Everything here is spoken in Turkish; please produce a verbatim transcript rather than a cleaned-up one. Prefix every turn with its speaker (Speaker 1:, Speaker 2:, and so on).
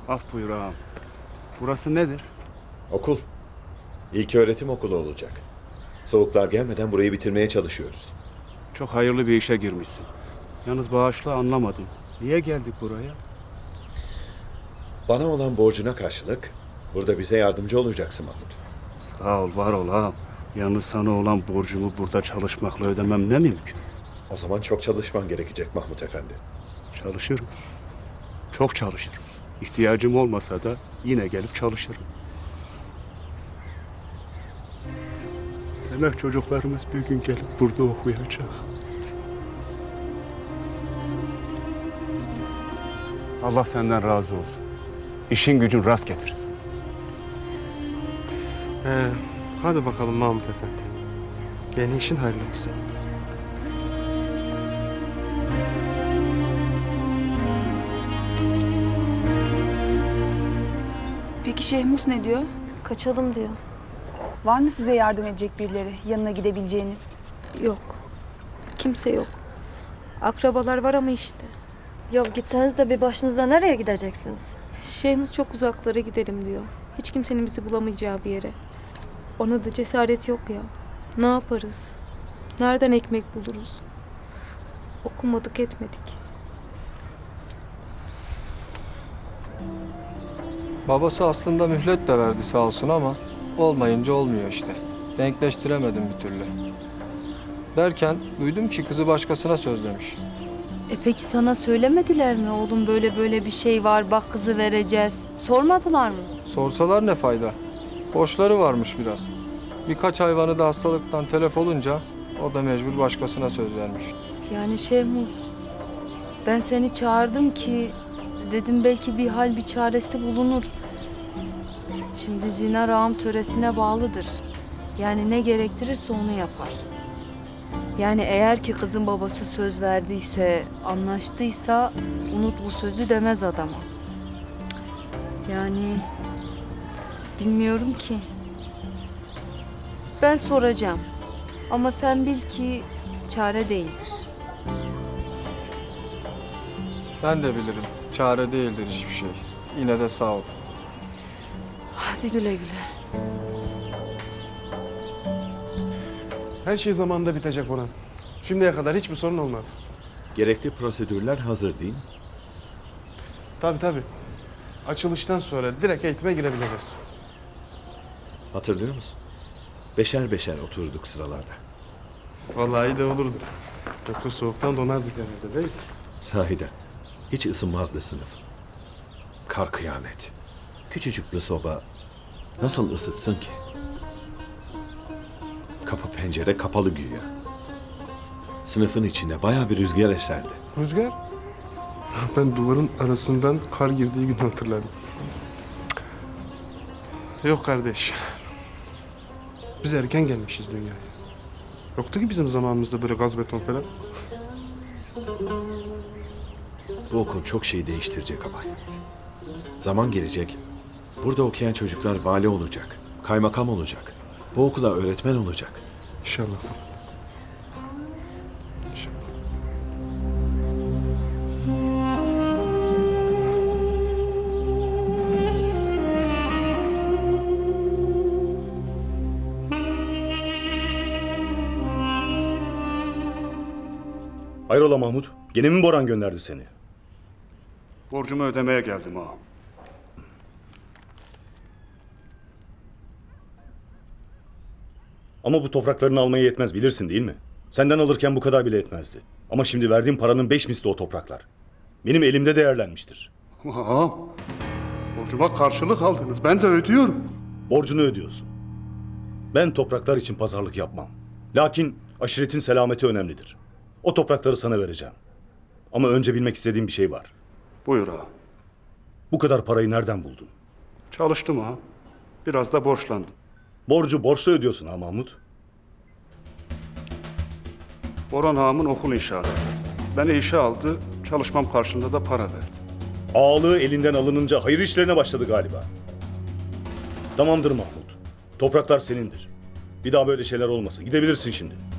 Speaker 1: Af buyur ağam. Burası nedir?
Speaker 2: Okul. İlköğretim okulu olacak. Soğuklar gelmeden burayı bitirmeye çalışıyoruz.
Speaker 1: Çok hayırlı bir işe girmişsin. Yalnız bağışla anlamadım. Niye geldik buraya?
Speaker 2: Bana olan borcuna karşılık burada bize yardımcı olacaksın Mahmut.
Speaker 1: Sağ ol, var ol ağam. Yalnız sana olan borcumu burada çalışmakla ödemem ne mümkün?
Speaker 2: O zaman çok çalışman gerekecek Mahmut Efendi.
Speaker 1: Çalışırım. Çok çalışırım. İhtiyacım olmasa da yine gelip çalışırım. Demek çocuklarımız bir gün gelip burada okuyacak. Allah senden razı olsun. İşin gücün rast getirsin.
Speaker 3: He, hadi bakalım Mahmut Efendi. Yeni işin hayırlı olsun.
Speaker 4: Peki Şehmus ne diyor?
Speaker 5: Kaçalım diyor.
Speaker 4: Var mı size yardım edecek birileri, yanına gidebileceğiniz?
Speaker 5: Yok. Kimse yok. Akrabalar var ama işte.
Speaker 6: Ya gitseniz de bir başınıza nereye gideceksiniz?
Speaker 5: Şeyhimiz çok uzaklara gidelim diyor. Hiç kimsenin bizi bulamayacağı bir yere. Ona da cesaret yok ya. Ne yaparız? Nereden ekmek buluruz? Okumadık etmedik.
Speaker 3: Babası aslında mühlet de verdi sağ olsun ama olmayınca olmuyor işte. Denkleştiremedim bir türlü. Derken duydum ki kızı başkasına sözlemiş.
Speaker 6: E peki sana söylemediler mi oğlum böyle böyle bir şey var bak kızı vereceğiz. Sormadılar mı?
Speaker 3: Sorsalar ne fayda? Borçları varmış biraz. Birkaç hayvanı da hastalıktan telef olunca o da mecbur başkasına söz vermiş.
Speaker 6: Yani Şehmuz ben seni çağırdım ki dedim belki bir hal bir çaresi bulunur. Şimdi zina rağım töresine bağlıdır. Yani ne gerektirirse onu yapar. Yani eğer ki kızın babası söz verdiyse, anlaştıysa unut bu sözü demez adama. Yani bilmiyorum ki. Ben soracağım. Ama sen bil ki çare değildir.
Speaker 3: Ben de bilirim. Çare değildir hiçbir şey. Yine de sağ ol.
Speaker 6: Hadi güle güle.
Speaker 7: Her şey zamanında bitecek Orhan. Şimdiye kadar hiçbir sorun olmadı.
Speaker 2: Gerekli prosedürler hazır değil mi?
Speaker 7: Tabii tabii. Açılıştan sonra direkt eğitime girebileceğiz.
Speaker 2: Hatırlıyor musun? Beşer beşer oturduk sıralarda.
Speaker 7: Vallahi iyi de olurdu. Yoksa soğuktan donardık herhalde değil mi?
Speaker 2: Sahiden. Hiç ısınmazdı sınıf. Kar kıyamet. Küçücük bir soba nasıl ısıtsın ki? Kapı pencere kapalı güya. Sınıfın içinde bayağı bir rüzgar eserdi.
Speaker 7: Rüzgar? Ben duvarın arasından kar girdiği gün hatırlarım. Yok kardeş. Biz erken gelmişiz dünyaya. Yoktu ki bizim zamanımızda böyle gaz beton falan.
Speaker 2: Bu okul çok şey değiştirecek abay. Zaman gelecek. Burada okuyan çocuklar vali olacak. Kaymakam olacak. Bu okula öğretmen olacak.
Speaker 7: İnşallah. İnşallah.
Speaker 8: Hayrola Mahmut? Gene mi Boran gönderdi seni?
Speaker 1: Borcumu ödemeye geldim ağam.
Speaker 8: Ama bu topraklarını almaya yetmez bilirsin değil mi? Senden alırken bu kadar bile etmezdi. Ama şimdi verdiğim paranın beş misli o topraklar. Benim elimde değerlenmiştir.
Speaker 1: Ağam, borcuma karşılık aldınız. Ben de ödüyorum.
Speaker 8: Borcunu ödüyorsun. Ben topraklar için pazarlık yapmam. Lakin aşiretin selameti önemlidir. O toprakları sana vereceğim. Ama önce bilmek istediğim bir şey var.
Speaker 1: Buyur ağam.
Speaker 8: Bu kadar parayı nereden buldun?
Speaker 1: Çalıştım ağam. Biraz da borçlandım.
Speaker 8: Borcu borçla ödüyorsun ha Mahmut.
Speaker 1: Orhan ağamın okul inşaatı. Beni işe aldı, çalışmam karşılığında da para verdi.
Speaker 8: Ağalığı elinden alınınca hayır işlerine başladı galiba. Tamamdır Mahmut. Topraklar senindir. Bir daha böyle şeyler olmasın. Gidebilirsin şimdi.